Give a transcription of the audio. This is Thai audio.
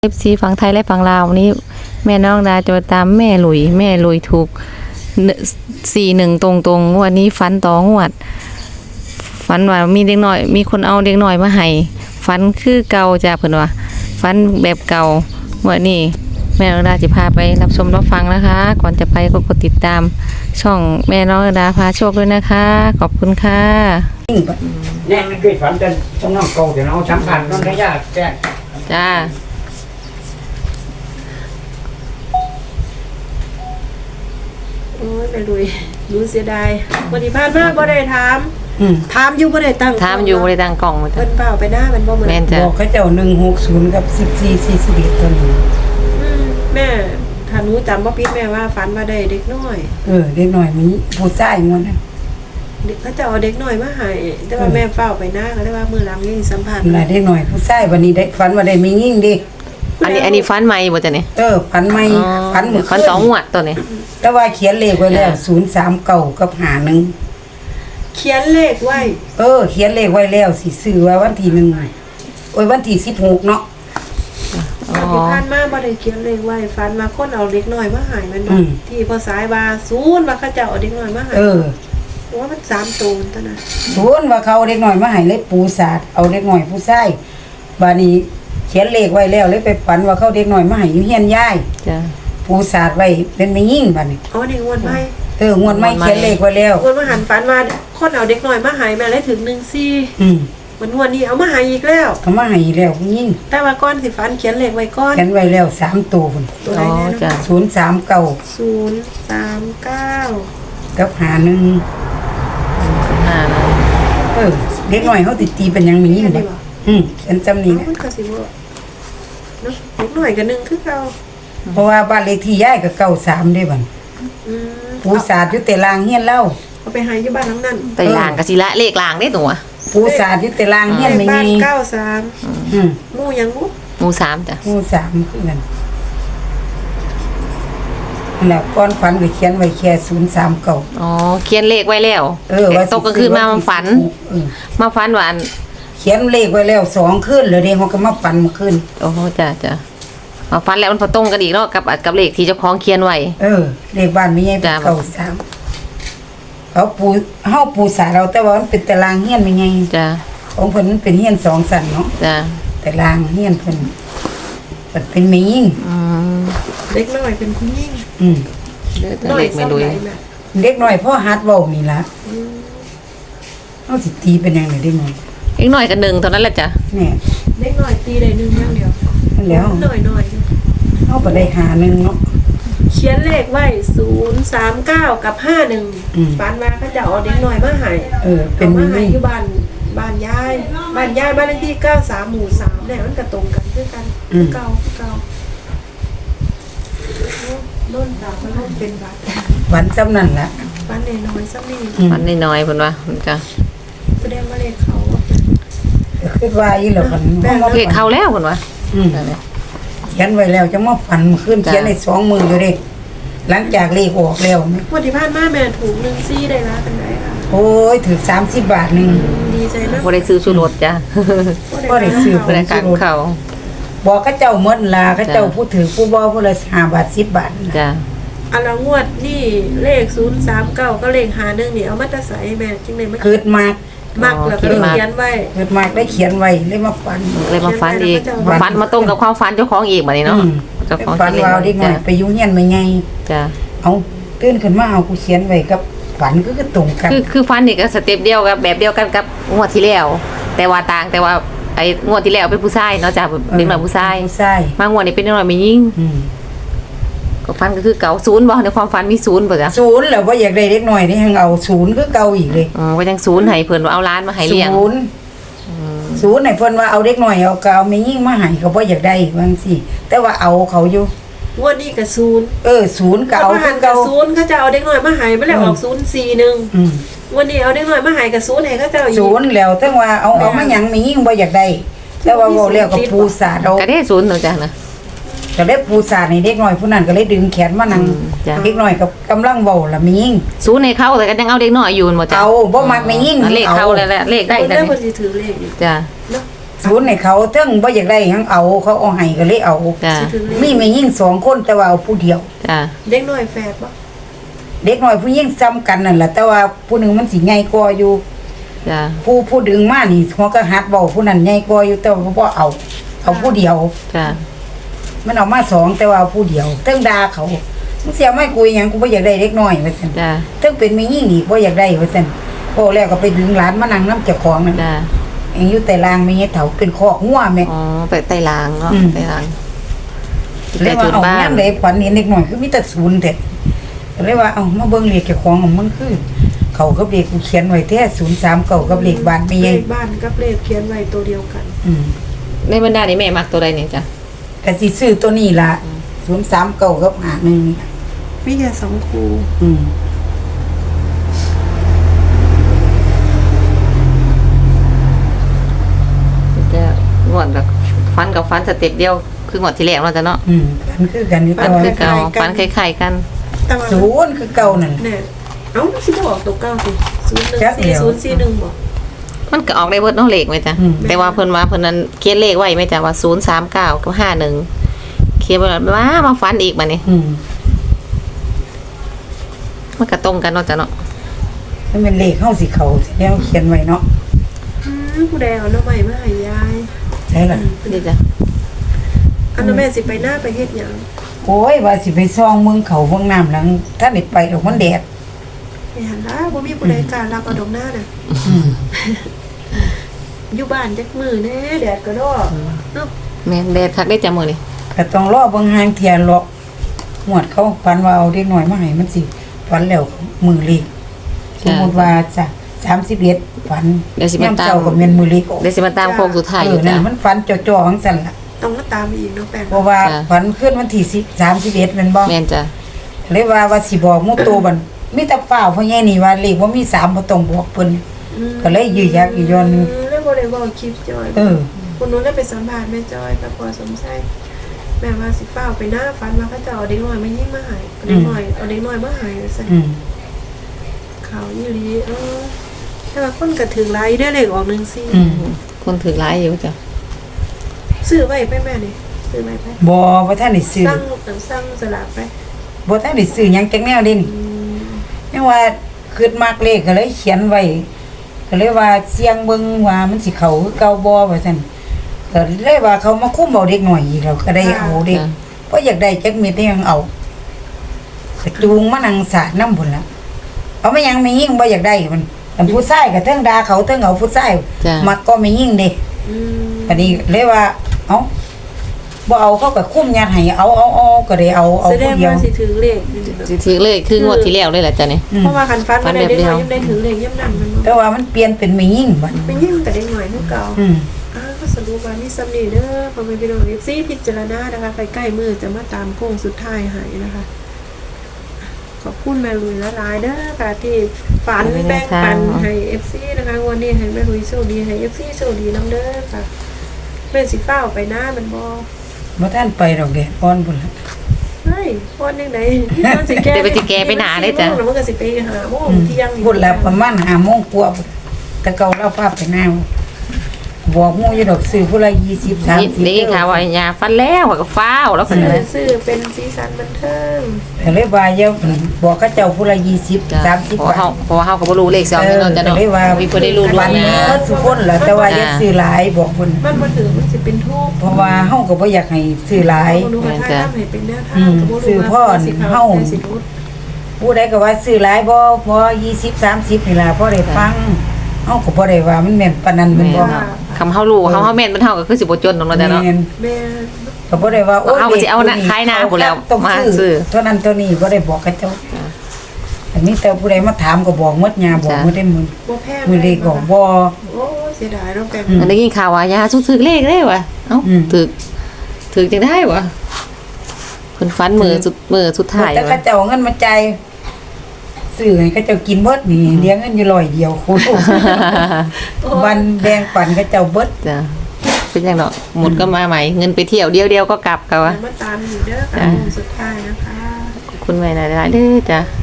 FC ฝั่งไทยและฝั่งลาววันนี้แม่น้องดาจะตามแม่หลุยถูก41ตรงๆวันนี้ฝันต่องวดฝันว่ามีเด็กน้อยมีคนเอาเด็กน้อยมาให้ฝันคือเก่าจ้ะเพิ่นว่าฝันแบบเก่าวันนี้แม่น้องดาจะพาไปรับชมรับฟังนะคะก่อนจะไปก็กดติดตามช่องแม่น้องดาพาโชคด้วยนะคะขอบคุณค่ะเนี่ยมันเคยฝันแต่ต้องน้องเก่าแต่เราสำคัญต้องได้ยากแจ้งจ้าโอ้ยแม่ลุยรู้เสียดายวันที่ผ่านมาบ่ได้ถามอยู่บ่ได้ตั้งถามอยู่บ่ได้ตั้งกล่องเพิ่นเปล่าไปหน้ามันบ่เหมือนแม่นจ้ะบอกเขาเจ้า160กับ1441ตัวนี้แม่ถ้าหนูจำบ่ผิดแม่ว่าฝันว่าได้เด็กน้อยเด็กน้อยมีผู้ชายมันน่ะเขาจะเอาเด็กน้อยมาให้แต่ว่าแม่เฝ้าไปหน้าก็เลยว่ามื้อหลังนี่สัมภาษณ์น่ะเด็กน้อยผู้ชายวันนี้ได้ฝันว่าได้มียิ่งดิอันนี้ฝันใหม่บ่จ้ะนี่ฝันใหม่ฝันมื้อฝัน2งวดตัวนี้แต่ว่าเขียนเลขไว้แล้ว039กับ51 เขียนเลขไว้เขียนเลขไว้แล้วสิซื้อว่าวันที่1วันที่16เนาะที่ผ่านมาบ่ได้เขียนเลขไว้ฝันว่าคนเอาเด็กน้อยมาให้มันที่พอสายว่า0ว่าเขาจะเอาเด็กน้อยมาให้ว่ามัน3ตัวเท่านั้นว่าเขาเด็กน้อยมาให้เลยปูศาสตร์เอาเด็กน้อยผู้ชายบัดนี้เขียนเลขไว้แล้วเลยไปฝันว่าเขาเด็กน้อยมาให้อยู่เฮียนยายจ้ะปูศาสตร์ไว้เป็นแม่ยิ่งบัดนี้นี่งวดใหม่งวดใหม่เขียนเลขไว้แล้วงวดมาหันฝันว่าคนเอาเด็กน้อยมาให้แม่เลยถึง14วันนี้เอามาให้อีกแล้วเขามาให้อีกแล้วผู้หญิงแต่ว่าก่อนสิฝันเขียนเลขไว้ก่อนเขียนไว้แล้ว3ตัวพุ่นตัวไหนนะจ้ะ 039 กับ51เด็กน้อยเขาตีเป็นหยังมียิ่งบ่เขียนจำนี้นะมันก็สิบ่เนาะเด็กน้อยก็1คือเก่าเพราะว่าบ้านเลขที่ยายก็93ได้บัดปูศาสตร์อยู่แต่ลางเฮียนเล่าเอาไปให้อยู่บ้านหลังนั้นแต่ลางก็สิละเลขลางได้ตัวปูศาสตร์อยู่แต่ลางเฮียนไม่มีบ้าน93หมู่ยังหมู่3จ้ะหมู่3คือกันแล้วก่อนฝันก็เขียนไว้แค่039 เขียนเลขไว้แล้วว่าตกกลางคืนมาฝันมาฝันว่าเขียนเลขไว้แล้ว2คืนแล้วเด้เฮาก็มาฝันเมื่อคืนจ้ะมาฝันแล้วมันพอตรงกันอีกเนาะกับเลขที่เจ้าของเขียนไว้เลขบ้านมีใหญ่เป็น93เขาปูสาเราแต่ว่ามันเป็นตารางเฮียนไม่ไงจ้ะของเพิ่นมันเป็นเฮียน2ชั้นเนาะจ้ะตารางเฮียนเพิ่นมันเป็นแม่หญิงเด็กน้อยเป็นผู้หญิงเด็กไม่รู้เด็กน้อยพ่อฮัดเว้านี่ล่ะเฮาสิตีเป็นจังได๋เด็กน้อยเด็กน้อยก็1เท่านั้นแหละจ้ะแน่เด็กน้อยตีได้1อย่างเดียวแล้วน้อยเฮาก็ได้51เนาะเขียนเลขไว้039กับ51ฝันว่าเขาจะเอาเด็กน้อยมาให้เป็นมาให้อยู่บ้านยายบ้านเลขที่93หมู่3เนี่ยมันก็ตรงกันคือกันเก่าโน่นดาวมันโน่นเป็นบัดวันจำนั่นล่ะวันน้อยๆซ้ำนี่วันน้อยๆเพิ่นว่าจ้ะแสดงว่าเลขเขาคิดว่าอีหล่ะเพิ่นเลขเข้าแล้วเพิ่นว่าเขียนไว้แล้วจะมาฝันขึ้นเขียนใน2 มืออยู่เด้หลังจากเลขออกแล้ววันที่ผ่านมาแม่ถูก14ได้ละเป็นไดค่ะโอ้ยถึง30 บาทนึงดีใจมากบ่ได้ซื้อชูรสจ้ะบ่ได้ซื้อบ่ได้กันเขาบอกเขาเจ้าหมดล่ะเขาเจ้าผู้ถือผู้บ่ผู้ละ5 บาท10 บาทจ้ะอันละงวดนี่เลข039ก็เลข51นี่เอามาตะใส่แม่จังได๋มันเกิดมากแล้วก็เขียนไว้เกิดมากได้เขียนไว้เลยมาฝันอีกฝันมาตรงกับความฝันเจ้าของอีกบัดนี้เนาะเจ้าของฝันว่าเด็กน้อยไปอยู่เฮียนไม่ไงจ้ะเอาตื่นขึ้นมาเอากูเขียนไว้กับฝันก็ตรงกันคือฝันนี่ก็สเต็ปเดียวกับแบบเดียวกันกับงวดที่แล้วแต่ว่าไอ้งวดที่แล้วเป็นผู้ชายเนาะจ้ะเด็กน้อยผู้ชายมางวดนี้เป็นเด็กน้อยไม่ยิ่งก็ฝันก็คือเก่า0บ่ในความฝันมี0บ่จ้ะ 0แล้วบ่อยากได้เด็กน้อยนี่ยังเอา0คือเก่าอีกเลยว่าจัง0ให้เพิ่นว่าเอาล้านมาให้เลี้ยง 0ให้เพิ่นว่าเอาเด็กน้อยเอาเก่าไม่ยิ่งมาให้เขาบ่อยากได้ว่าจังซี่แต่ว่าเอาเขาอยู่งวดนี้ก็0 0ก็เอาคือเก่า 0เขาจะเอาเด็กน้อยมาให้บ่แล้วออก041วันนี้เอาเด็กน้อยมาให้ก็0ให้เขาเจ้าอีก 0แล้วถึงว่าเอามาหยังไม่ยิ่งบ่อยากได้แต่ว่าเว้าแล้วก็ปูสาดเอาก็ได้0เนาะจ้ะนะก็เลยปูสาในเด็กน้อยผู้นั้นก็เลยดึงแขนมานั่งเด็กน้อยกับกำลังเว้าล่ะมียิ่ง 0ให้เขาแต่ก็ยังเอาเด็กน้อยอยู่บ่จ้ะเอาบ่มักมียิ่งเลขเข้าแล้วเลขได้แล้วเพิ่นสิถือเลขอีกจ้ะเนาะศูนย์ให้เขาเทิงบ่อยากได้หยังเอาเขาเอาให้ก็เลยเอาจ้ะสิถึงเลขมีแม่ยิ่ง2คนแต่ว่าเอาผู้เดียวจ้ะเด็กน้อยแฝดบ่เด็กน้อยผู้ยิ่งซ้ำกันนั่นแหละแต่ว่าผู้หนึงมันสิใหญ่กว่าอยู่จ้ะผู้ดึงมานี่หัวก็หัดเว้าผู้นั้นใหญ่กว่าอยู่แต่ว่าบ่เอาผู้เดียวจ้ะมันเอามา2แต่ว่าเอาผู้เดียวเทิงด่าเขามึงเสียไม่คุยหยังกูบ่อยากได้เด็กน้อยว่าซั่นจ้ะเทิงเป็นแม่ยิ่งอีกบ่อยากได้ว่าซั่นพอแล้วก็ไปดึงหลานมานั่งนำเจ้าของนั่นจ้ะเองอยู่แต่ลางไม่เฮ็ดเถาเป็นคอกงัวแม่อ๋อไปไต่ลางเนาะอืมไต่ลางเลยว่าทุนเอาบ้านยามใดฝันเห็นเด็กน้อยคือมีแต่ศูนย์แท้เลยว่าเอามาเบิ่งเลขเจ้าของของมันคือ เขากับเลขกูเขียนไว้แท้039กับเลขบ้านไม่เลใหญ่ขบ้านกับเลขเขียนไว้ตัวเดียวกันอืมในบรรดานี้แม่มักตัวใดเนี่ยจ้ะก็สิซื้อตัวนี้ล่ะ039กับ51 มีแค่2คู่อืมจะงวดกับฟันกับฟันสเต็ปเดียวคืองวดที่แล้วเนาะจ้ะเนาะอืมมันคือกันอยู่ฟัแต่นว่าคือเก่าฟันคล้ายๆกันแต่ว่าศูนย์คือเก่านั่นแน่เอ้าสิบ่ออกตัวเก้าสิจักเดียว 01441บ่มันก็ออกได้เบิดเนาะเลขไหมจ้ะอืมแต่ว่าเพิ่นว่าเพิ่นนั้นเขียนเลขไว้ไหมจ้ะว่า039กับ51เขียนไว้แล้วมาฟันอีกบัดนี้อืมมันก็ตรงกันเนาะจ้ะเนาะมันเป็นเลขเฮาสิเข้าสิแล้วเขียนไว้เนาะผู้ใดเอาหน้ำใหม่มาให้ยายใช่ล่ะนี่จ้ะอันนั้นแม่สิไปหน้าไปเฮ็ดหยังโอ้ยว่าสิไปซ่องเมืองเขาเมืองน้ำหลังถ้าได้ไปดอกมันแดดไปหันล่ะบ่มีผู้ใดกล้ารับเอาดอกหน้าน่ะอืมอยู่บ้านจักมื้อแน่แดดก็ดอกเนาะแม่นแดดคักได้จ้ะมื้อนี้ก็ต้องรอเบิ่งหางเทียนเลาะหวดเขาฝันว่าเอาเด็กน้อยมาให้มันสิฝันแล้วมือเล็กสมมุติว่าจะ31ฝันเดี๋ยวสิมาตามเจ้าก็แม่นมือเล็กออกเดี๋ยวสิมาตามโค้งสุดท้ายอยู่นั่จ้ะนมันฝันจ่อๆจังซั่นล่ะต้องมาตามอีกเนาะแป้งเพราะว่าจ้ะฝันขึ้นวันที่31แม่นบ่แม่นจ้ะเลยว่าสิบอกหมู่โตบันมีแต่ฟ้าวเพราะแย่นี่ว่าเลขบ่มี3บ่ต้องบอกเพิ่น ก็เลยยื้อยักอยู่ย้อนหนึ่งแล้วบ่ได้เว้าคลิปจอยเออคุณนู้นได้ไปสัมภาษณ์แม่จอยกับพอสมไส้แม่ว่าสิฟ้าวไปหน้าฟันว่าเขาจะเอาเด็กน้อยมายิ่งมาหายเอาเด็กน้อยเอาเด็กน้อยมาหายซะอืมข่าวอยู่ดีแต่ว่าคนก็ถึงหลายได้อเลขออกอืมคนถือหลายอยู่จ้ะ 14ซื้อไว้ไปแม่นี่ซื้อไว้ไปบ่ทันได้ซื้อสั่งสลากไปบ่ทันได้ซื้อหยังจักแนวเด่นยังว่าคิดมักเลขก็เลยเขียนไว้ก็เลยว่าเสียงเบิ่งว่ามันสิเข้าคือเก่าบ่ว่าซั่นก็เลยว่าเขามาคุมเอาเด็กน้อยอีกแล้วก็ได้เอาเด็กเพราะอยากได้จักเม็ดได้ยังเอาก็จูงมานั่งสาดน้ำพุ่นล่ะเอามายังไม่ยิ่งบ่อยากได้มันอันผู้ชายก็เทิงด่าเขาเทิงเอาผู้ชายจ้ะมักก็ไม่ยิ่งเด้อืมอันนี้เลยว่า เอาบ่เอาเขาก็คุ้มยัดให้เอาก็ได้เอาแสดผู้งเดียวว่าสิถือเลขนี่เนาะสิถือเลยคืองวดที่แล้วเลยแหละจ้ะนี่อืมเพราะว่าคันฟันฟัมาน ได้แบบเด็กเดียวน้อยยังได้ถือเลขย่ำนั่นมันแต่ว่ามันเปลี่ยนเป็นไม่ยิ่งบัดเป็นยิ่งแต่เด็กน้อยคือเก่าอืมก็สรุปว่ามีซัมนี่เด้อพอไปพี่น้องเอฟซีพิจารณานะคะใกล้ๆมือจะมาตามโค้งสุดท้ายให้นะคะ ขอบคุณแม่ลุยละลายๆเด้อค่ะที่ฝันแบ่งปันให้เอฟซีนะคะวันนี้ให้แม่ลุยโชคดีให้เอฟซีโชคดีน้ำเด้อค่ะแม่สิเฝ้าไปหน้ามันบ่บ่ทันไปดอกแดดอ่อนพุ่นล่ะเฮ้ยพอนยังไงมันสิแก้เดี๋ยวไปสิแก้ไปหนาเลยจ้ะแล้วมันก็สิไปหาโมงเที่ยงพุ่นละประมาณ5:00 นกว่าพุ่นแต่เก่าเราพาไปหน้าบอกหมู่อยู่ดอกซื้อผู้ละ20 30 นี่ค่ะว่ายาฟันแล้วก็ฟ้าวแล้วก็เลยซื้อเป็นสีสันบันเทิงแต่เลยว่าอย่าบอกเขาเจ้าผู้ละ20 จ้ะ 30 เพราะว่าเฮาก็บ่รู้เลข2นี่เนาะจ้ะเนาะเลยว่ามีเพิ่นได้รู้ล่ววังนหนี้น้าทุกคนล่ะแต่ว่าอย่าซื้อหลายบอกเพิ่นมันมาถือมันสิเป็นทูบเพราะว่าเฮาก็บ่อยากให้ซื้อหลายบ่รู้ว่าถ้าทำให้เป็นแนวทางอืมก็บ่รู้ซื้อพ่อว่าสิเฮาสิรุดผู้ใดก็ว่าซื้อหลายบ่พอ20 30นี่ล่ะพอได้ฟังเฮาก็บ่ได้ว่ามันแม่นปานนั้นแม่นบ่แม่น คำเฮารู้เฮาแม่นมันเฮาก็คือสิบ่จนตรงนั้นจ้ะเนาะแม่นแม่ก็บ่ได้ว่าโอ้ยเอาก็สิเอานะขายหน้าพู้นแล้วต้องมาซื้ซื้ออเท่านั้นเท่านี้บ่ได้บอกกับเจ้าแต่มีแต่ผู้ใดมาถามก็บอกหมดยาบอกหมดได้มื้อบ่แพงมื้อเลขก็บ่โอ้เสียดายเนาะแปลงมันได้ยินข่าวว่ายาสุกถึกเลขได้วะเอ้าอืมถึกจังได้วะเพิ่นฟันมือสุดท้ายแต่เขาวะเจ้าเอาเงินมาจ่ายซื้อให้เขาเจ้ากินเบิดนี่เลี้ยงเงินอยู่ร้อยเดียวโคตรวันแบ่งปันเขาเจ้าเบิดจ้ะเป็นจังเนาะหมดก็มาใหม่เงินไปเที่ยวเดียวก็กลับกะวะมาตามอยู่เด้อค่ะจ้ะสุดท้ายนะคะขอบคุณแม่หลายๆเด้อจ้ะ